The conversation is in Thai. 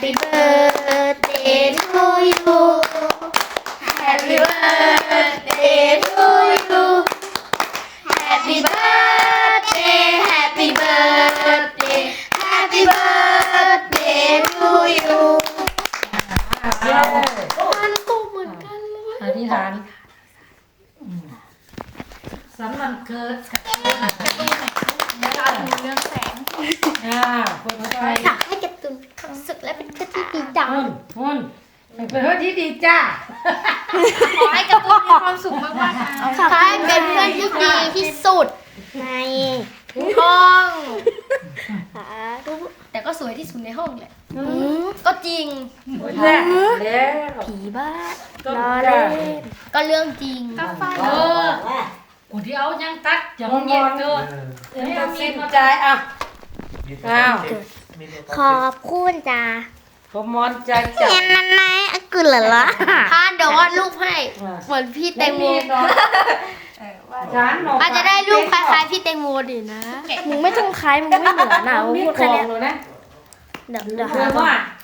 Happy birthday to you Happy birthday to you Happy birthday Happy birthday Happy birthday to you มันก็เหมือนกันเลยอธิษฐานสันวันเกิดเรื่องแสงคนเข้าไปอยากให้การ์ตูนมีความสุขและเป็นเพื่อนที่ดีจังหุ่นเป็นเพื่อนที่ดีจ้าขอให้การ์ตูนมีความสุขมากๆนะขอให้เป็นเพื่อนที่ดีที่สุดในห้องแต่ก็สวยที่สุดในห้องแหละก็จริงแล้วผีบ้าก็เล่นก็เรื่องจริงกูที่เอายังตัดยังเงียบเกินไม่เอาสิ้นใจอ่ะอ้าวขอบคุณจ้าขมอนใจจับเห็นนั่นไหมกุหลาบพานเดี๋ยววาดรูปให้เหมือนพี่แตงโมฉันอาจจะได้รูปคล้ายๆพี่แตงโมดินะมึงไม่ต้องคล้ายมึงไม่เหมือนนะมึงพูดแค่นี้เลยนะเดี๋ยวเพื่อว่า